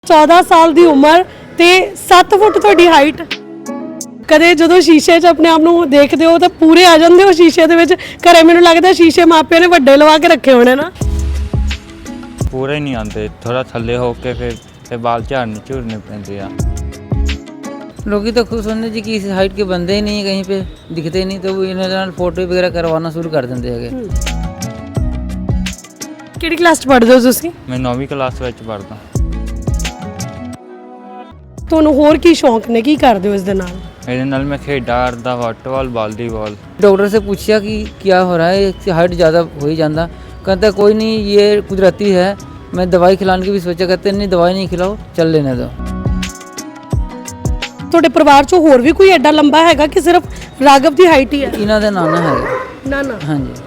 14 ਸਾਲ ਦੀ ਉਮਰ ਤੇ 7 ਫੁੱਟ ਤੁਹਾਡੀ ਹਾਈਟ। ਕਦੇ ਜਦੋਂ ਸ਼ੀਸ਼ੇ 'ਚ ਆਪਣੇ ਆਪ ਨੂੰ ਦੇਖਦੇ ਹੋ ਤਾਂ ਪੂਰੇ ਆ ਜਾਂਦੇ ਹੋ ਸ਼ੀਸ਼ੇ ਦੇ ਵਿੱਚ। ਘਰੇ ਮੈਨੂੰ ਲੱਗਦਾ ਸ਼ੀਸ਼ੇ ਮਾਪਿਆਂ ਨੇ ਵੱਡੇ ਲਵਾ ਕੇ ਰੱਖੇ ਹੋਣੇ ਨਾ। पूरे नहीं आते, थोड़ा थल्ले होके फिर बाल झड़ने पैंदे आ। लोग तो खुश होने जी कि इस हाइट के बंदे ही नहीं है, कहीं पे दिखते नहीं, तो वो इन्होंने फोटो वगैरह करवाना शुरू कर देंगे है। ਕਿਹੜੀ ਕਲਾਸ 'ਚ ਪੜ੍ਹਦੇ ਹੋ ਤੁਸੀਂ? मैं 9वीं क्लास ਵਿੱਚ ਪੜ੍ਹਦਾ। ਤੁਹਾਨੂੰ ਹੋਰ ਕੀ ਸ਼ੌਂਕ ਨੇ, ਕੀ ਕਰਦੇ ਹੋ ਇਸ ਦੇ ਨਾਲ? ਇਹਦੇ ਨਾਲ मैं ਖੇਡਾਂ ਕਰਦਾ, ਫੁੱਟਬਾਲ, ਵਾਲੀਬਾਲ। डॉक्टर से पूछा कि क्या हो रहा है, इसकी हाइट ज़्यादा हो ही जाता। कहता कोई नहीं, ये कुदरती है। मैं दवाई खिलाने की भी सोचा, कहते नहीं दवाई नहीं खिलाओ, चल लेने दो। ਤੁਹਾਡੇ ਪਰਿਵਾਰ 'ਚੋਂ ਹੋਰ ਵੀ ਕੋਈ ਐਡਾ ਲੰਬਾ ਹੈਗਾ ਕਿ ਸਿਰਫ ਰਾਘਵ ਦੀ ਹਾਈਟ ਹੀ ਹੈ? इन्हों का नाना है। ਨਾ ਨਾ। हाँ जी,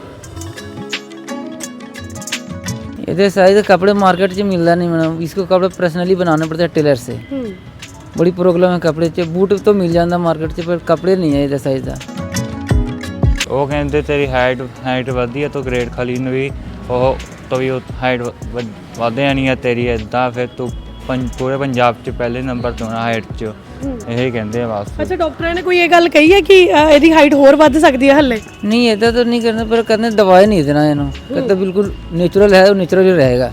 ये साइज कपड़े मार्केट से मिलता नहीं, मैडम इसको कपड़े पर्सनली बनाने पड़ते हैं टेलर से। बड़ी प्रॉब्लम है कपड़े च। बूट तो मिल जाता मार्केट से, पर कपड़े नहीं है ये साइज का। ਉਹ ਕਹਿੰਦੇ ਤੇਰੀ ਹਾਈਟ ਵਧੀ ਹੈ, ਤੂੰ ਗ੍ਰੇਡ ਖਾਲੀ ਨੂੰ ਵੀ ਉਹ ਤੋਂ ਵੀ ਹਾਈਟ ਵਧਿਆ ਨਹੀਂ ਹੈ ਤੇਰੀ, ਇੱਦਾਂ ਫਿਰ ਤੂੰ ਪੂਰੇ ਪੰਜਾਬ 'ਚ ਪਹਿਲੇ ਨੰਬਰ ਤੋਂ ਨਾ ਹਾਈਟ 'ਚ। ਇਹ ਕਹਿੰਦੇ ਆ ਬਸ। ਅੱਛਾ, ਡਾਕਟਰਾਂ ਨੇ ਕੋਈ ਇਹ ਗੱਲ ਕਹੀ ਹੈ ਕਿ ਇਹਦੀ ਹਾਈਟ ਹੋਰ ਵੱਧ ਸਕਦੀ ਹੈ ਹੱਲੇ? नहीं ऐसा तो नहीं करना, पर कहते दवाई नहीं देना इन्हों। कहते बिल्कुल नेचुरल है, वो नेचुरल ही रहेगा।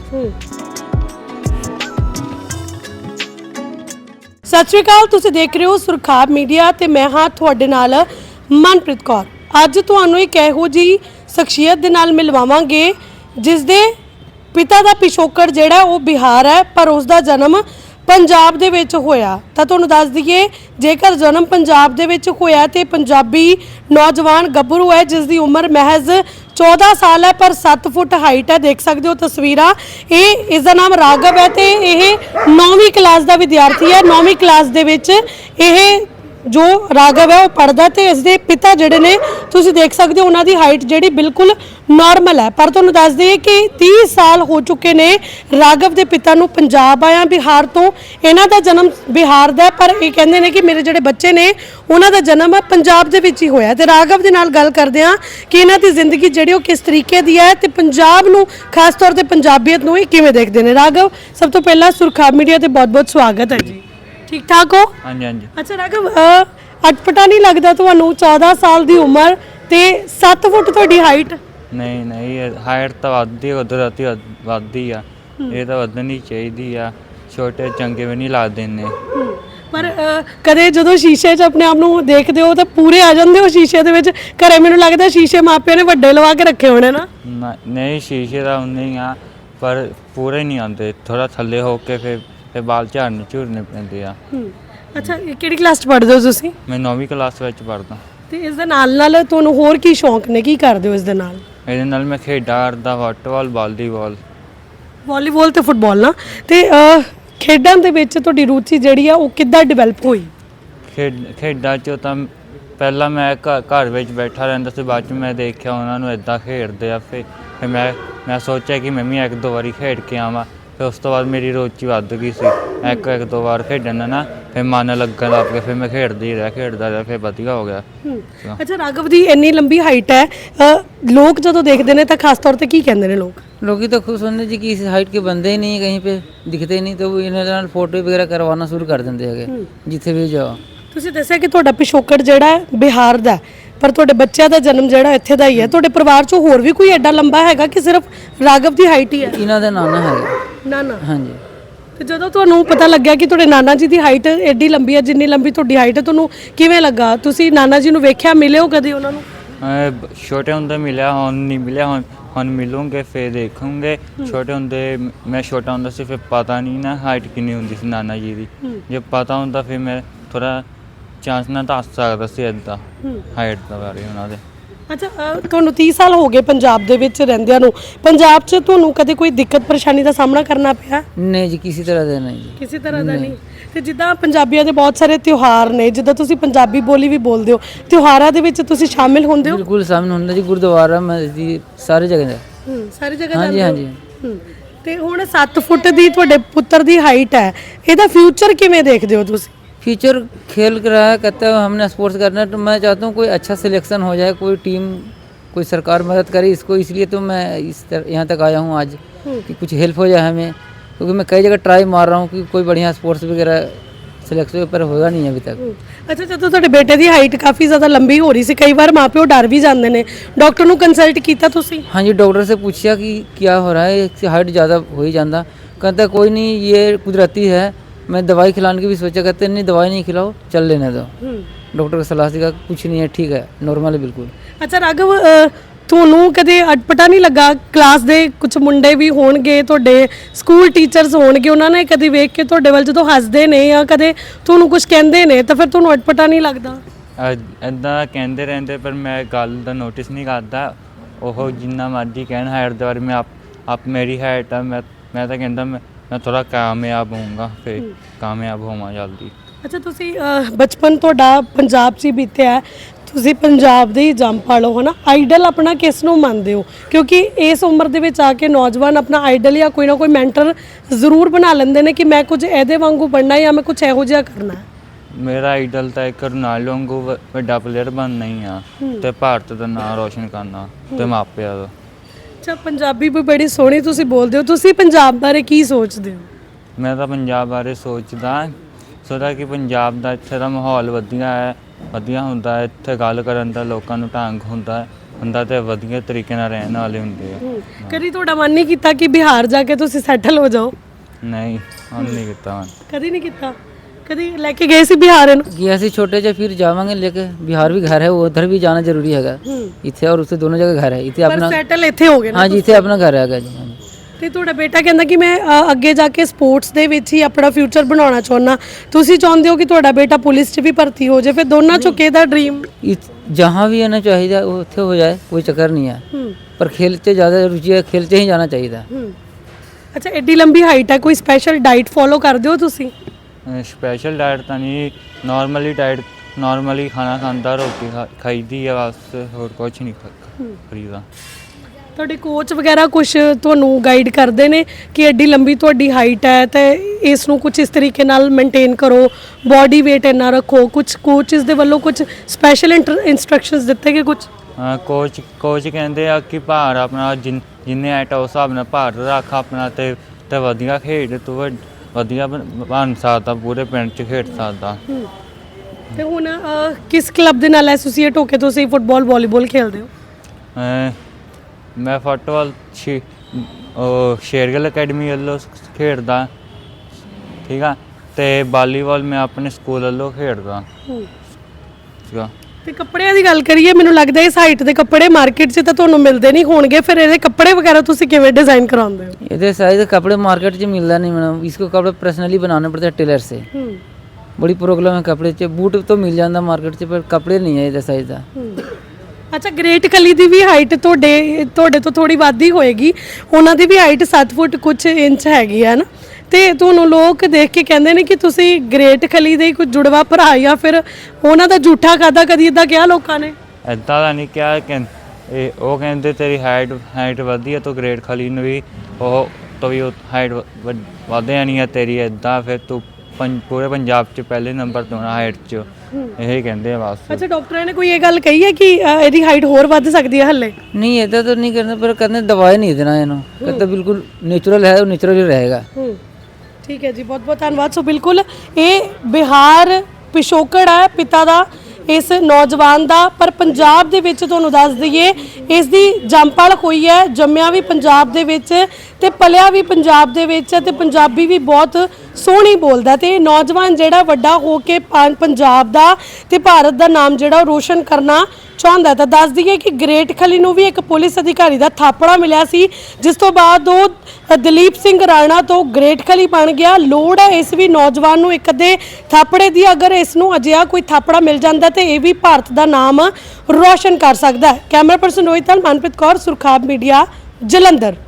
ਸਤਿ ਸ਼੍ਰੀ ਅਕਾਲ, ਤੁਸੀਂ ਦੇਖ ਰਹੇ ਹੋ ਸੁਰਖਾਬ ਮੀਡੀਆ ਤੇ ਮੈਂ ਹਾਂ ਤੁਹਾਡੇ ਨਾਲ ਮਨਪ੍ਰੀਤ ਕੌਰ। ਅੱਜ ਤੁਹਾਨੂੰ ਇੱਕ ਇਹੋ ਜਿਹੀ ਸ਼ਖਸੀਅਤ ਦੇ ਨਾਲ ਮਿਲਵਾਵਾਂਗੇ ਜਿਸ ਦੇ ਪਿਤਾ ਦਾ ਪਿਛੋਕੜ ਜਿਹੜਾ ਉਹ ਬਿਹਾਰ ਹੈ, ਪਰ ਉਸ ਦਾ ਜਨਮ ਪੰਜਾਬ ਦੇ ਵਿੱਚ ਹੋਇਆ। ਤਾਂ ਤੁਹਾਨੂੰ ਦੱਸ ਦਈਏ, ਜੇਕਰ ਜਨਮ ਪੰਜਾਬ ਦੇ ਵਿੱਚ ਹੋਇਆ ਤੇ ਪੰਜਾਬੀ ਨੌਜਵਾਨ ਗੱਭਰੂ ਹੈ ਜਿਸ ਦੀ ਉਮਰ ਮਹਿਜ਼ 14 ਸਾਲ ਹੈ, ਪਰ 7 ਫੁੱਟ ਹਾਈਟ ਹੈ। ਦੇਖ ਸਕਦੇ ਹੋ ਤਸਵੀਰਾਂ। ਇਸ ਦਾ ਨਾਮ ਰਾਘਵ ਹੈ ਤੇ ਇਹ 9ਵੀਂ ਕਲਾਸ ਦਾ ਵਿਦਿਆਰਥੀ ਹੈ। 9ਵੀਂ ਕਲਾਸ ਦੇ ਵਿੱਚ ਇਹ ਜੋ ਰਾਘਵ ਹੈ ਉਹ ਪੜ੍ਹਦਾ ਤੇ ਇਸ ਦੇ ਪਿਤਾ ਜਿਹੜੇ ਨੇ ਤੁਸੀਂ ਦੇਖ ਸਕਦੇ ਹੋ ਉਹਨਾਂ ਦੀ ਹਾਈਟ ਜਿਹੜੀ ਬਿਲਕੁਲ ਨਾਰਮਲ ਹੈ। ਪਰ ਤੁਹਾਨੂੰ ਦੱਸ ਦਈਏ ਕਿ 30 ਸਾਲ ਹੋ ਚੁੱਕੇ ਨੇ ਰਾਘਵ ਦੇ ਪਿਤਾ ਨੂੰ ਪੰਜਾਬ ਆਇਆ ਬਿਹਾਰ ਤੋਂ। ਇਹਨਾਂ ਦਾ ਜਨਮ ਬਿਹਾਰ ਦਾ, ਪਰ ਇਹ ਕਹਿੰਦੇ ਨੇ ਕਿ ਮੇਰੇ ਜਿਹੜੇ ਬੱਚੇ ਨੇ ਉਹਨਾਂ ਦਾ ਜਨਮ ਪੰਜਾਬ ਦੇ ਵਿੱਚ ਹੀ ਹੋਇਆ। ਤੇ ਰਾਘਵ ਦੇ ਨਾਲ ਗੱਲ ਕਰਦੇ ਹਾਂ ਕਿ ਇਹਨਾਂ ਦੀ ਜ਼ਿੰਦਗੀ ਜਿਹੜੀ ਉਹ ਕਿਸ ਤਰੀਕੇ ਦੀ ਹੈ ਤੇ ਪੰਜਾਬ ਨੂੰ, ਖਾਸ ਤੌਰ ਤੇ ਪੰਜਾਬੀਅਤ ਨੂੰ ਇਹ ਕਿਵੇਂ ਦੇਖਦੇ ਨੇ। ਰਾਘਵ, ਸਭ ਤੋਂ ਪਹਿਲਾਂ ਸੁਰਖਾਬ ਮੀਡੀਆ ਤੇ ਬਹੁਤ-ਬਹੁਤ ਸਵਾਗਤ ਹੈ ਜੀ। ਠੀਕ ਠਾਕ ਹੋ? ਹਾਂਜੀ ਹਾਂਜੀ। ਅੱਛਾ ਰਾਘਵ, ਅਟਪਟਾ ਨਹੀਂ ਲੱਗਦਾ ਤੁਹਾਨੂੰ? 14 ਸਾਲ ਦੀ ਉਮਰ ਤੇ 7 ਫੁੱਟ ਤੁਹਾਡੀ ਹਾਈਟ। ਨਹੀਂ ਹਾਈਟ ਤਾਂ ਵੱਧਦੀ, ਕੁਦਰਤੀ ਵੱਧਦੀ ਆ। ਇਹ ਤਾਂ ਵਧਣੀ ਚਾਹੀਦੀ ਆ। ਛੋਟੇ ਚੰਗੇ ਵੀ ਨਹੀਂ ਲੱਗਦੇ ਨੇ। ਪਰ ਕਦੇ ਜਦੋਂ ਸ਼ੀਸ਼ੇ 'ਚ ਆਪਣੇ ਆਪ ਨੂੰ ਦੇਖਦੇ ਹੋ ਤਾਂ ਪੂਰੇ ਆ ਜਾਂਦੇ ਹੋ ਸ਼ੀਸ਼ੇ ਦੇ ਵਿੱਚ। ਘਰੇ ਮੈਨੂੰ ਲੱਗਦਾ ਸ਼ੀਸ਼ੇ ਮਾਪਿਆਂ ਨੇ ਵੱਡੇ ਲਵਾ ਕੇ ਰੱਖੇ ਹੋਣੇ ਨਾ। ਨਹੀਂ ਸ਼ੀਸ਼ੇ ਦਾ ਨਹੀਂ ਆ, ਪਰ ਪੂਰੇ ਨਹੀਂ ਆਉਂਦੇ, ਥੋੜਾ ਥੱਲੇ ਹੋ ਕੇ ਫਿਰ ਬਾਲ ਝੜਨੇ ਪੈਂਦੇ ਆ। ਅੱਛਾ, ਕਿਹੜੀ ਕਲਾਸ 'ਚ ਪੜ੍ਹਦੇ ਹੋ ਤੁਸੀਂ? ਮੈਂ 9ਵੀਂ ਕਲਾਸ ਵਿੱਚ ਪੜ੍ਹਦਾ। ਤੇ ਇਸ ਦੇ ਨਾਲ ਤੁਹਾਨੂੰ ਹੋਰ ਕੀ ਸ਼ੌਂਕ ਨੇ, ਕੀ ਕਰਦੇ ਹੋ ਇਸ ਦੇ ਨਾਲ? ਇਹਦੇ ਨਾਲ ਮੈਂ ਖੇਡਾਂ ਕਰਦਾ, ਫੁੱਟਬਾਲ, ਵਾਲੀਬਾਲ ਤੇ ਫੁੱਟਬਾਲ ਨਾ। ਤੇ ਖੇਡਾਂ ਦੇ ਵਿੱਚ ਤੁਹਾਡੀ ਰੁਚੀ ਜਿਹੜੀ ਆ ਉਹ ਕਿੱਦਾਂ ਡਿਵੈਲਪ ਹੋਈ? ਖੇਡਾਂ 'ਚ ਤਾਂ ਪਹਿਲਾਂ ਮੈਂ ਘਰ ਵਿੱਚ ਬੈਠਾ ਰਹਿੰਦਾ ਸੀ, ਬਾਅਦ 'ਚ ਮੈਂ ਦੇਖਿਆ ਉਹਨਾਂ ਨੂੰ ਇੱਦਾਂ ਖੇਡਦੇ ਆ। ਫਿਰ ਮੈਂ ਸੋਚਿਆ ਕਿ ਮੈਂ ਵੀ ਇੱਕ ਦੋ ਵਾਰੀ ਖੇਡ ਕੇ ਆਵਾਂ। ਫਿਰ ਉਸ ਤੋਂ ਬਾਅਦ ਮੇਰੀ ਰੁਚੀ ਵੱਧ ਗਈ ਸੀ। ਇੱਕ ਦੋ ਵਾਰ ਖੇਡਣ ਨਾਲ ਫਿਰ ਮਨ ਲੱਗਣ ਲੱਗ ਪਿਆ। ਫਿਰ ਮੈਂ ਖੇਡਦਾ ਰਿਹਾ, ਫਿਰ ਵਧੀਆ ਹੋ ਗਿਆ। ਅੱਛਾ, ਰਾਘਵ ਦੀ ਇੰਨੀ ਲੰਬੀ ਹਾਈਟ ਹੈ, ਲੋਕ ਜਦੋਂ ਦੇਖਦੇ ਨੇ ਤਾਂ ਖਾਸ ਤੌਰ ਤੇ ਕੀ ਕਹਿੰਦੇ ਨੇ ਲੋਕ? लोग तो खुश होने जी कि इस हाइट के बंदे ही नहीं है, कहीं पे दिखते नहीं, तो वो इन्होंने फोटो वगैरह करवाना शुरू कर देंगे है जिथे भी जाओ। ਤੁਸੀਂ ਦੱਸਿਆ ਕਿ ਤੁਹਾਡਾ ਪਿਛੋਕੜ ਜਿਹੜਾ ਹੈ ਬਿਹਾਰ ਦਾ, ਪਰ ਤੁਹਾਡੇ ਬੱਚਿਆਂ ਦਾ ਜਨਮ ਜਿਹੜਾ ਇੱਥੇ ਦਾ ਹੀ ਹੈ। ਤੁਹਾਡੇ ਪਰਿਵਾਰ 'ਚੋਂ ਹੋਰ ਵੀ ਕੋਈ ਐਡਾ ਲੰਬਾ ਹੈਗਾ ਕਿ ਸਿਰਫ ਰਾਘਵ ਦੀ ਹਾਈਟ ਹੀ ਹੈ? इन्हों का नाना है। ਨਾ ਨਾ। हाँ जी, ਤੇ ਜਦੋਂ ਤੁਹਾਨੂੰ ਪਤਾ ਲੱਗਿਆ ਕਿ ਤੁਹਾਡੇ ਨਾਨਾ ਜੀ ਦੀ ਹਾਈਟ ਐਡੀ ਲੰਬੀ ਹੈ ਜਿੰਨੀ ਲੰਬੀ ਤੁਹਾਡੀ ਹਾਈਟ ਹੈ, ਤੁਹਾਨੂੰ ਕਿਵੇਂ ਲੱਗਾ? ਤੁਸੀਂ ਨਾਨਾ ਜੀ ਨੂੰ ਵੇਖਿਆ, ਮਿਲੇ ਹੋ ਕਦੇ ਉਹਨਾਂ ਨੂੰ? ਛੋਟੇ ਹੁੰਦੇ ਮਿਲਿਆ, ਹੁਣ ਨਹੀਂ ਮਿਲਿਆ। ਹੁਣ ਮਿਲੂੰਗੇ ਫਿਰ ਦੇਖੂੰਗੇ। ਛੋਟੇ ਹੁੰਦੇ ਮੈਂ ਛੋਟਾ ਹੁੰਦਾ ਸੀ, ਫਿਰ ਪਤਾ ਨਹੀਂ ਨਾ ਹਾਈਟ ਕਿੰਨੀ ਹੁੰਦੀ ਸੀ ਨਾਨਾ ਜੀ ਦੀ। ਜੇ ਪਤਾ ਹੁੰਦਾ ਫਿਰ ਮੈਂ ਥੋੜਾ ਚਾਂਸ ਨਾਲ ਦੱਸ ਸਕਦਾ ਸੀ ਇੱਦਾਂ ਹਾਈਟ ਦਾ ਬਾਰੇ ਉਹਨਾਂ ਦੇ। ਅੱਛਾ, ਤੁਹਾਨੂੰ 30 ਸਾਲ ਹੋ ਗਏ ਪੰਜਾਬ ਦੇ ਵਿੱਚ ਰਹਿੰਦਿਆਂ ਨੂੰ। ਪੰਜਾਬ 'ਚ ਤੁਹਾਨੂੰ ਕਦੇ ਕੋਈ ਦਿੱਕਤ ਪਰੇਸ਼ਾਨੀ ਦਾ ਸਾਹਮਣਾ ਕਰਨਾ ਪਿਆ? नहीं जी, किसी तरह से नहीं जी। ਕਿਸੇ ਤਰ੍ਹਾਂ ਦਾ ਨਹੀਂ। ਤੇ ਜਿੱਦਾਂ ਪੰਜਾਬੀਆਂ ਦੇ ਬਹੁਤ ਸਾਰੇ ਤਿਉਹਾਰ ਨੇ, ਜਿੱਦਾਂ ਤੁਸੀਂ ਪੰਜਾਬੀ ਬੋਲੀ ਵੀ ਬੋਲਦੇ ਹੋ, ਤਿਉਹਾਰਾਂ ਦੇ ਵਿੱਚ ਤੁਸੀਂ ਸ਼ਾਮਿਲ ਹੁੰਦੇ ਹੋ? बिल्कुल शामिल होना जी, गुरुद्वारा मस्जिद सारी जगह है। ਸਾਰੀ ਜਗ੍ਹਾ हाँ जी, ਜਾਂਦੇ हाँ ਹੋ? जी। ਤੇ ਹੁਣ 7 ਫੁੱਟ ਦੀ ਤੁਹਾਡੇ ਪੁੱਤਰ ਦੀ ਹਾਈਟ ਹੈ, ਇਹਦਾ ਫਿਊਚਰ ਕਿਵੇਂ ਦੇਖਦੇ ਹੋ ਤੁਸੀਂ? फ्यूचर खेल कर रहा है, कहता है हमने स्पोर्ट्स करना है, तो मैं चाहता हूँ कोई अच्छा सिलेक्शन हो जाए, कोई टीम, कोई सरकार मदद करे इसको। इसलिए तो मैं यहाँ तक आया हूँ आज कि कुछ हेल्प हो जाए हमें। क्योंकि मैं कई जगह ट्राई मार रहा हूँ कि कोई बढ़िया स्पोर्ट्स वगैरह सिलेक्शन पर होगा नहीं है अभी तक। ਅੱਛਾ, ਜਦੋਂ ਤੁਹਾਡੇ ਬੇਟੇ ਦੀ ਹਾਈਟ ਕਾਫੀ ਜ਼ਿਆਦਾ ਲੰਬੀ ਹੋ ਰਹੀ ਸੀ, ਕਈ ਵਾਰ ਮਾਪਿਓ ਡਰ ਵੀ ਜਾਂਦੇ ਨੇ, ਡਾਕਟਰ ਨੂੰ ਕੰਸਲਟ ਕੀਤਾ ਤੁਸੀਂ? हाँ जी, डॉक्टर से पूछा कि क्या हो रहा है, इसकी हाइट ज़्यादा हो ही जाता। कहता है कोई नहीं, ये कुदरती है। मैं दवाई खिलाने की भी सोचा, कहते नहीं दवाई नहीं खिलाओ, चल लेने दो। डॉक्टर की सलाह से कहा कुछ नहीं है, ठीक है, नॉर्मल है बिल्कुल। ਅੱਛਾ ਰਾਘਵ, ਤੁਹਾਨੂੰ ਕਦੇ ਅਟਪਟਾ ਨਹੀਂ ਲੱਗਾ? ਕਲਾਸ ਦੇ ਕੁਝ ਮੁੰਡੇ ਵੀ ਹੋਣਗੇ, ਤੁਹਾਡੇ ਸਕੂਲ ਟੀਚਰਸ ਹੋਣਗੇ, ਉਹਨਾਂ ਨੇ ਕਦੀ ਵੇਖ ਕੇ ਤੁਹਾਡੇ ਵੱਲ ਜਦੋਂ ਹੱਸਦੇ ਨੇ ਜਾਂ ਕਦੇ ਤੁਹਾਨੂੰ ਕੁਝ ਕਹਿੰਦੇ ਨੇ ਤਾਂ ਫਿਰ ਤੁਹਾਨੂੰ ਅਟਪਟਾ ਨਹੀਂ ਲੱਗਦਾ? ਇੱਦਾਂ ਕਹਿੰਦੇ ਰਹਿੰਦੇ, ਪਰ ਮੈਂ ਗੱਲ ਦਾ ਨੋਟਿਸ ਨਹੀਂ ਕਰਦਾ। ਉਹ ਜਿੰਨਾ ਮਰਜ਼ੀ ਕਹਿਣ ਹਾਈਟ ਦੇ ਬਾਰੇ, ਮੈਂ ਆਪ ਮੇਰੀ ਹਾਈਟ ਆ, ਮੈਂ ਤਾਂ ਕਹਿੰਦਾ ਮੈਂ ਥੋੜਾ ਕਾਮਯਾਬ ਹੋਊਂਗਾ, ਫਿਰ ਕਾਮਯਾਬ ਹੋਵਾਂ ਜਲਦੀ। ਅੱਛਾ, ਤੁਸੀਂ ਬਚਪਨ ਤੁਹਾਡਾ ਪੰਜਾਬ 'ਚ ਹੀ ਬੀਤਿਆ ਹੈ, ਤੁਸੀਂ ਪੰਜਾਬ ਦੇ ਹੀ ਜੰਮਪਲ ਹੋ, ਹੈ ਨਾ? ਆਈਡਲ ਆਪਣਾ ਕਿਸ ਨੂੰ ਮੰਨਦੇ ਹੋ? ਕਿਉਂਕਿ ਇਸ ਉਮਰ ਦੇ ਵਿੱਚ ਆ ਕੇ ਨੌਜਵਾਨ ਆਪਣਾ ਆਈਡਲ ਜਾਂ ਕੋਈ ਨਾ ਕੋਈ ਮੈਂਟਰ ਜ਼ਰੂਰ ਬਣਾ ਲੈਂਦੇ ਨੇ ਕਿ ਮੈਂ ਕੁਝ ਇਹਦੇ ਵਾਂਗੂ ਬਣਨਾ ਜਾਂ ਮੈਂ ਕੁਝ ਇਹੋ ਜਿਹਾ ਕਰਨਾ ਹੈ। ਮੇਰਾ ਆਈਡਲ ਤਾਂ ਇੱਕ ਰੋਨਾਲਡੋ ਵਾਂਗੂ ਵੱਡਾ ਪਲੇਅਰ ਬਣਨਾ ਹੀ ਆ, ਤੇ ਭਾਰਤ ਦਾ ਨਾਮ ਰੋਸ਼ਨ ਕਰਨਾ ਤੇ ਮਾਪਿਆਂ ਦਾ। ਅੱਛਾ, ਪੰਜਾਬੀ ਵੀ ਬੜੀ ਸੋਹਣੀ ਤੁਸੀਂ ਬੋਲਦੇ ਹੋ। ਤੁਸੀਂ ਪੰਜਾਬ ਬਾਰੇ ਕੀ ਸੋਚਦੇ ਹੋ? ਮੈਂ ਤਾਂ ਪੰਜਾਬ ਬਾਰੇ ਸੋਚਦਾ ਕਿ ਪੰਜਾਬ ਦਾ ਇੱਥੇ ਦਾ ਮਾਹੌਲ ਵਧੀਆ ਹੁੰਦਾ ਹੈ, ਇੱਥੇ ਗੱਲ ਕਰਨ ਦਾ ਲੋਕਾਂ ਨੂੰ ਢੰਗ ਹੁੰਦਾ ਤੇ ਵਧੀਆ ਤਰੀਕੇ ਨਾਲ ਰਹਿਣ ਵਾਲੇ ਹੁੰਦੇ ਆ। ਕਦੀ ਤੁਹਾਡਾ ਮਨ ਨਹੀਂ ਕੀਤਾ ਕਿ ਬਿਹਾਰ ਜਾ ਕੇ ਤੁਸੀਂ ਸੈਟਲ ਹੋ ਜਾਓ? ਨਹੀਂ, ਹੁਣ ਨਹੀਂ ਕੀਤਾ ਮੈਂ। ਕਦੀ ਨਹੀਂ ਕੀਤਾ? ਕਦੀ ਲੈ ਕੇ ਗਏ ਸੀ ਬਿਹਾਰ ਇਹਨੂੰ? गया सी छोटे से, फिर जावांगे लेके। बिहार भी घर है, वो उधर भी जाना जरूरी हैगा। इथे और उससे दोनों जगह घर है। इथे ਪਰ अपना, ਸੈਟਲ ਇੱਥੇ ਹੋ ਗਏ ਨਾ? हाँ जी, इथे अपना घर हैगा जी। हाँ जी। ਤੇ ਤੁਹਾਡਾ ਬੇਟਾ ਕਹਿੰਦਾ ਕਿ ਮੈਂ ਅੱਗੇ ਜਾ ਕੇ ਸਪੋਰट्स ਦੇ ਵਿੱਚ ਹੀ ਆਪਣਾ ਫਿਊਚਰ ਬਣਾਉਣਾ ਚਾਹੁੰਦਾ, ਤੁਸੀਂ ਚਾਹੁੰਦੇ ਹੋ ਕਿ ਤੁਹਾਡਾ ਬੇਟਾ ਪੁਲਿਸ 'ਚ ਵੀ ਭਰਤੀ ਹੋ ਜਾਏ, ਫਿਰ ਦੋਨਾਂ ਚੋਂ ਕਿਹਦਾ ਡ੍ਰੀਮ? जहाँ भी आना चाहिए वो उत्थे हो जाए, कोई चक्कर नहीं है, पर खेल से ज़्यादा रुचि है, खेल से ही जाना चाहिए। ਅੱਛਾ, ਐਡੀ ਲੰਬੀ ਹਾਈਟ ਹੈ, ਕੋਈ ਸਪੈਸ਼ਲ ਡਾਈਟ ਫੋਲੋ ਕਰਦੇ ਹੋ ਤੁਸੀਂ? ਸਪੈਸ਼ਲ ਡਾਈਟ ਤਾਂ ਨਹੀਂ, ਨਾਰਮਲੀ ਖਾਣਾ ਖਾਂਦਾ, ਰੋਟੀ ਖਾਈਦੀ ਆ ਬਸ, ਹੋਰ ਕੁਛ ਨਹੀਂ ਖਰੀਦਾ। ਤੁਹਾਡੇ ਕੋਚ ਵਗੈਰਾ ਕੁਝ ਤੁਹਾਨੂੰ ਗਾਈਡ ਕਰਦੇ ਨੇ ਕਿ ਐਡੀ ਲੰਬੀ ਤੁਹਾਡੀ ਹਾਈਟ ਹੈ ਤੇ ਇਸ ਨੂੰ ਕੁਝ ਇਸ ਤਰੀਕੇ ਨਾਲ ਮੇਨਟੇਨ ਕਰੋ, ਬਾਡੀ weight ਇੰਨਾ ਰੱਖੋ, ਕੁਝ ਕੋਚਸ ਦੇ ਵੱਲੋਂ ਕੁਝ ਸਪੈਸ਼ਲ ਇਨਸਟਰਕਸ਼ਨਸ ਦਿੱਤੇ ਗਏ ਕੁਝ? ਕੋਚ ਕਹਿੰਦੇ ਆ ਕਿ ਭਾਰ ਆਪਣਾ ਜਿੰਨੇ ਆਈਟ ਉਸ ਹਿਸਾਬ ਨਾਲ ਭਾਰ ਰੱਖ ਆਪਣਾ, ਤੇ ਵਧੀਆ ਖੇਡ, ਤੂੰ ਵਧੀਆ ਬਣ ਸਕਦਾ, ਪੂਰੇ ਪਿੰਡ 'ਚ ਖੇਡ ਸਕਦਾ। ਤੇ ਹੁਣ ਕਿਸ ਕਲੱਬ ਦੇ ਨਾਲ ਐਸੋਸੀਏਟ ਹੋ ਕੇ ਤੁਸੀਂ ਫੁੱਟਬਾਲ ਵਾਲੀਬਾਲ ਖੇਡਦੇ ਹੋ? ਮੈਂ ਫੁੱਟਬਾਲ ਸ਼ੇਰਗਿੱਲ ਅਕੈਡਮੀ ਵੱਲੋਂ ਖੇਡਦਾ, ਠੀਕ ਆ, ਤੇ ਵਾਲੀਬਾਲ ਮੈਂ ਆਪਣੇ ਸਕੂਲ ਵੱਲੋਂ ਖੇਡਦਾ ਸੀਗਾ। ਤੇ ਕੱਪੜਿਆਂ ਦੀ ਗੱਲ ਕਰੀਏ, ਮੈਨੂੰ ਲੱਗਦਾ ਇਸ ਹਾਈਟ ਦੇ ਕੱਪੜੇ ਮਾਰਕੀਟ 'ਚ ਤਾਂ ਤੁਹਾਨੂੰ ਮਿਲਦੇ ਨਹੀਂ ਹੋਣਗੇ, ਫਿਰ ਇਹਦੇ ਕੱਪੜੇ ਵਗੈरह ਤੁਸੀਂ ਕਿਵੇਂ ਡਿਜ਼ਾਈਨ ਕਰਾਉਂਦੇ ਹੋ? ਇਹਦੇ ਸਾइज कपड़े मार्केट में मिलता नहीं मैडम, इसको कपड़े पर्सनली बनाने पड़ते हैं टेलर से। बड़ी प्रॉब्लम है कपड़े च। बूट तो मिल जाता मार्केट से, पर कपड़े नहीं है ਇਹਦੇ साइज ਦਾ। ਅੱਛਾ, ਗ੍ਰੇਟ ਖਲੀ ਦੀ ਵੀ ਹਾਈਟ ਤੁਹਾਡੇ ਤੋਂ ਥੋੜੀ ਵੱਧ ਹੀ ਹੋਏਗੀ, ਉਹਨਾਂ ਦੀ ਵੀ ਹਾਈਟ 7 ਫੁੱਟ ਕੁਝ ਇੰਚ ਹੈਗੀ ਹੈ ਨਾ? ਤੇ ਤੁਹਾਨੂੰ ਲੋਕ ਦੇਖ ਕੇ ਕਹਿੰਦੇ ਨੇ ਕਿ ਤੁਸੀਂ ਗ੍ਰੇਟ ਖਲੀ ਦੇ ਕੋਈ ਜੁੜਵਾ ਭਰਾ ਜਾਂ ਫਿਰ ਉਹਨਾਂ ਦਾ ਝੂਠਾ ਖਾਦਾ, ਕਦੀ ਇਦਾਂ ਕਿਹਾ ਲੋਕਾਂ ਨੇ? ਇੱਦਾਂ ਦਾ ਨਹੀਂ ਕਿਹਾ, ਉਹ ਕਹਿੰਦੇ ਤੇਰੀ ਹਾਈਟ ਵਧੀਆ, ਤੂੰ ਗ੍ਰੇਟ ਖਲੀ ਨੂੰ ਵੀ ਉਹ ਤੋਂ ਵੀ ਹਾਈਟ ਵਧਿਆ ਨਹੀਂ ਹੈ ਤੇਰੀ, ਇੱਦਾਂ ਫਿਰ ਤੂੰ ਪੂਰੇ ਪੰਜਾਬ 'ਚ ਪਹਿਲੇ ਨੰਬਰ ਤੋਂ ਹਾਈਟ 'ਚ, ਇਹ ਕਹਿੰਦੇ ਆ ਬਸ। ਅੱਛਾ, ਡਾਕਟਰਾਂ ਨੇ ਕੋਈ ਇਹ ਗੱਲ ਕਹੀ ਹੈ ਕਿ ਇਹਦੀ ਹਾਈਟ ਹੋਰ ਵੱਧ ਸਕਦੀ ਹੈ ਹੱਲੇ? नहीं ऐसा तो नहीं करना, पर कहते दवाई नहीं देना इन्हों, कहते बिल्कुल नेचुरल है, वो नेचुरल ही रहेगा। ਠੀਕ ਹੈ ਜੀ, ਬਹੁਤ ਬਹੁਤ ਧੰਨਵਾਦ। ਸੋ ਬਿਲਕੁਲ ਇਹ ਬਿਹਾਰ ਪਿਛੋਕੜ ਹੈ ਪਿਤਾ ਦਾ, ਇਸ ਨੌਜਵਾਨ ਦਾ, ਪਰ ਪੰਜਾਬ ਦੇ ਵਿੱਚ ਤੁਹਾਨੂੰ ਦੱਸ ਦਈਏ ਇਸ ਦੀ ਜੰਮਪਲ ਹੋਈ ਹੈ, ਜੰਮਿਆ ਵੀ ਪੰਜਾਬ ਦੇ ਵਿੱਚ ਤੇ ਪਲਿਆ ਵੀ ਪੰਜਾਬ ਦੇ ਵਿੱਚ ਤੇ ਪੰਜਾਬੀ ਵੀ ਬਹੁਤ ਸੋਹਣੀ ਬੋਲਦਾ, ਤੇ ਨੌਜਵਾਨ ਜਿਹੜਾ ਵੱਡਾ ਹੋ ਕੇ ਪੰਜਾਬ ਦਾ ਤੇ ਭਾਰਤ ਦਾ ਨਾਮ ਜਿਹੜਾ ਰੋਸ਼ਨ ਕਰਨਾ ਚਾਹੁੰਦਾ। ਤਾਂ ਦੱਸ ਦਈਏ ਕਿ ਗ੍ਰੇਟ ਖਲੀ ਨੂੰ ਵੀ ਇੱਕ ਪੁਲਿਸ ਅਧਿਕਾਰੀ ਦਾ ਥਾਪੜਾ ਮਿਲਿਆ ਸੀ, ਜਿਸ ਤੋਂ ਬਾਅਦ ਉਹ ਦਲੀਪ ਸਿੰਘ ਰਾਣਾ ਤੋਂ ਗ੍ਰੇਟ ਖਲੀ ਬਣ ਗਿਆ। ਲੋੜ ਹੈ ਇਸ ਵੀ ਨੌਜਵਾਨ ਨੂੰ ਇੱਕ ਅੱਧੇ ਥਾਪੜੇ ਦੀ, ਅਗਰ ਇਸ ਨੂੰ ਅਜਿਹਾ ਕੋਈ ਥਾਪੜਾ ਮਿਲ ਜਾਂਦਾ ਤੇ ਇਹ ਵੀ ਭਾਰਤ ਦਾ ਨਾਮ ਰੋਸ਼ਨ ਕਰ ਸਕਦਾ ਹੈ। ਕੈਮਰਾ ਪਰਸਨ ਰੋਹਿਤ ਨਾਲ ਮਨਪ੍ਰੀਤ ਕੌਰ, ਸੁਰਖਾਬ ਮੀਡੀਆ, ਜਲੰਧਰ।